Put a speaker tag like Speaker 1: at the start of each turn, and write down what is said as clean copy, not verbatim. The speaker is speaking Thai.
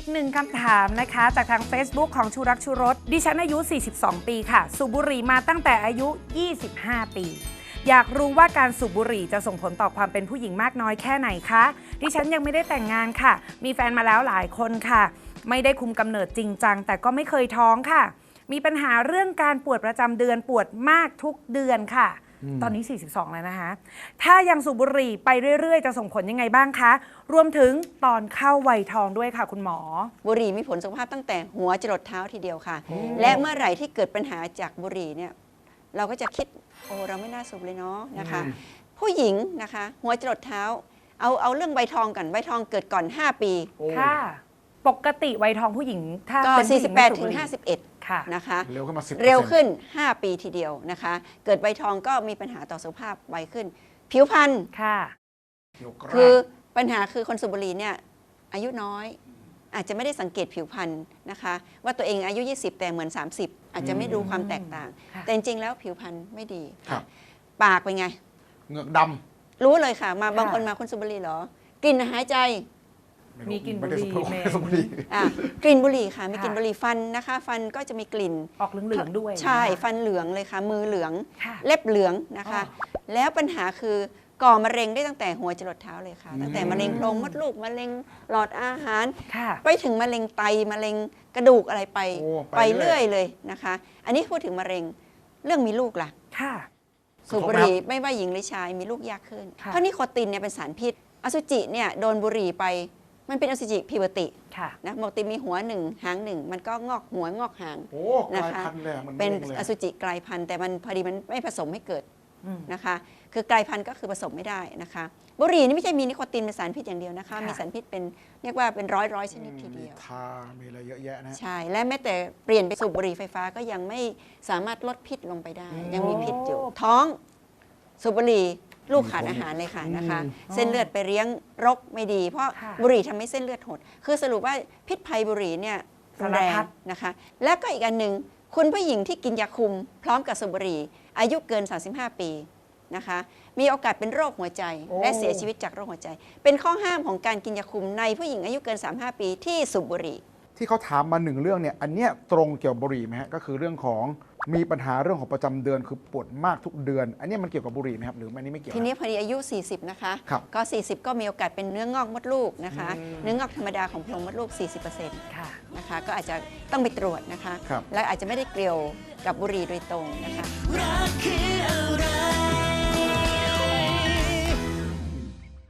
Speaker 1: หนึ่งคำถามนะคะจากทาง Facebook ของชูรักชูรสดิฉันอายุ 42 ปีค่ะสูบบุหรี่มาตั้งแต่อายุ 25 ปีอยากรู้ว่าการสูบบุหรี่จะส่งผลต่อความเป็นผู้หญิงมากน้อยแค่ไหนคะดิฉันยังไม่ได้แต่งงานค่ะมีแฟนมาแล้วหลายคนค่ะไม่ได้คุมกำเนิดจริงจังแต่ก็ไม่เคยท้องค่ะมีปัญหาเรื่องการปวดประจำเดือนปวดมากทุกเดือนค่ะตอนนี้ 42 แล้วนะคะถ้ายังสูบบุหรี่ไปเรื่อยๆจะส่งผลยังไงบ้างคะรวมถึงตอนเข้าวัยทองด้วยค่ะคุณหมอ
Speaker 2: บุหรี่มีผลสุขภาพตั้งแต่หัวจรดเท้าทีเดียวค่ะและเมื่อไหร่ที่เกิดปัญหาจากบุหรี่เนี่ยเราก็จะคิดโอ้เราไม่น่าสูบเลยเนาะนะคะผู้หญิงนะคะหัวจรดเท้าเอาเรื่องใบทองก่อนใบทองเกิดก่อน5 ปี
Speaker 1: ค่ะปกติวัยทองผู้หญิงถ้า
Speaker 2: ก็
Speaker 1: เป็นผู้หญิงไม่สูบบุหรี่
Speaker 2: 48 ถึง 51นะคะ
Speaker 3: เร็วขึ้นมา10%
Speaker 2: เร็วขึ้น5 ปีทีเดียวนะคะเกิดใบทองก็มีปัญหาต่อสุขภาพไวขึ้นผิวพรรณ
Speaker 1: ค่ะ
Speaker 2: คือปัญหาคือคนสูบบุหรี่เนี่ยอายุน้อยอาจจะไม่ได้สังเกตผิวพรรณนะคะว่าตัวเองอายุ20แต่เหมือน30อาจจะไม่รู้ความแตกต่างแต่จริงๆแล้วผิวพรรณไม่ดีปากเป็นไง
Speaker 3: เหงือกด
Speaker 2: ำรู้เลยค่ะมาบางคนมาคนสูบบุหรี่เหรอกลิ่นหายใจ
Speaker 1: มีกลิ่นบุหรี่
Speaker 2: กลิ่นบุหรี่ค่ะมีกลิ่นบุหรี่ฟันนะคะฟันก็จะมีกลิ่น
Speaker 1: ออกเหลืองๆด้วย
Speaker 2: ใช่ฟันเหลืองเลยค่ะมือเหลืองเล็บเหลืองนะคะแล้วปัญหาคือก่อมะเร็งได้ตั้งแต่หัวจรดเท้าเลยค่ะตั้งแต่มะเร็งโพรงมดลูกมะเร็งหลอดอาหารไปถึงมะเร็งไตมะเร็งกระดูกอะไรไปเรื่อยเลยนะคะอันนี้พูดถึงมะเร็งเรื่องมีลูกล่ะสูบบุหรี่ไม่ว่าหญิงหรือชายมีลูกยากขึ้นเพราะนิโคตินเนี่ยเป็นสารพิษอสุจิเนี่ยโดนบุหรี่ไปมันเป็นอสุจิพิวตินะปกติมีหัวหนึ่งหางหนึ่งมันก็งอกหัวงอกหางนะคะเป็นอสุจิกลายพันธุ์แต่มันพอดีมันไม่ผสมให้เกิดนะคะคือกลายพันธุ์ก็คือผสมไม่ได้นะคะบุหรี่นี่ไม่ใช่มีนิโคตินเป็นสารพิษอย่างเดียวนะคะมีสารพิษเป็นเรียกว่าเป็นร้อยชนิดทีเดียว
Speaker 3: มีอะไรเยอะแยะนะ
Speaker 2: ใช่และแม้แต่เปลี่ยนไปสูบบุหรี่ไฟฟ้าก็ยังไม่สามารถลดพิษลงไปได้ยังมีพิษอยู่ท้องสูบบุหรี่ลูกขาดอาหารเลยค่ะนะคะเส้นเลือดไปเลี้ยงรกไม่ดีเพราะบุหรี่ทำให้เส้นเลือดหดคือสรุปว่าพิษภัยบุหรี่เนี่ยแรงนะคะและก็อีกอันหนึ่งคุณผู้หญิงที่กินยาคุมพร้อมกับสูบบุหรี่อายุเกิน35 ปีนะคะมีโอกาสเป็นโรคหัวใจและเสียชีวิตจากโรคหัวใจเป็นข้อห้ามของการกินยาคุมในผู้หญิงอายุเกิน35 ปีที่สูบบุหรี่
Speaker 3: ที่เขาถามมา1 เรื่องเนี่ยอันเนี้ยตรงเกี่ยวกับบุหรี่ไหมฮะก็คือเรื่องของมีปัญหาเรื่องของประจำเดือนคือปวดมากทุกเดือนอันนี้มันเกี่ยวกับบุหรี่ไหมครับหรืออันนี้ไม่เกี่ยว
Speaker 2: ทีนี้พอดีอายุ40นะคะก็40ก็มีโอกาสเป็นเนื้องอกมดลูกนะคะเนื้องอกธรรมดาของโพรงมดลูก 40% นะคะก็อาจจะต้องไปตรวจนะคะและอาจจะไม่ได้เกี่ยวกับบุหรี่โดยตรงนะคะ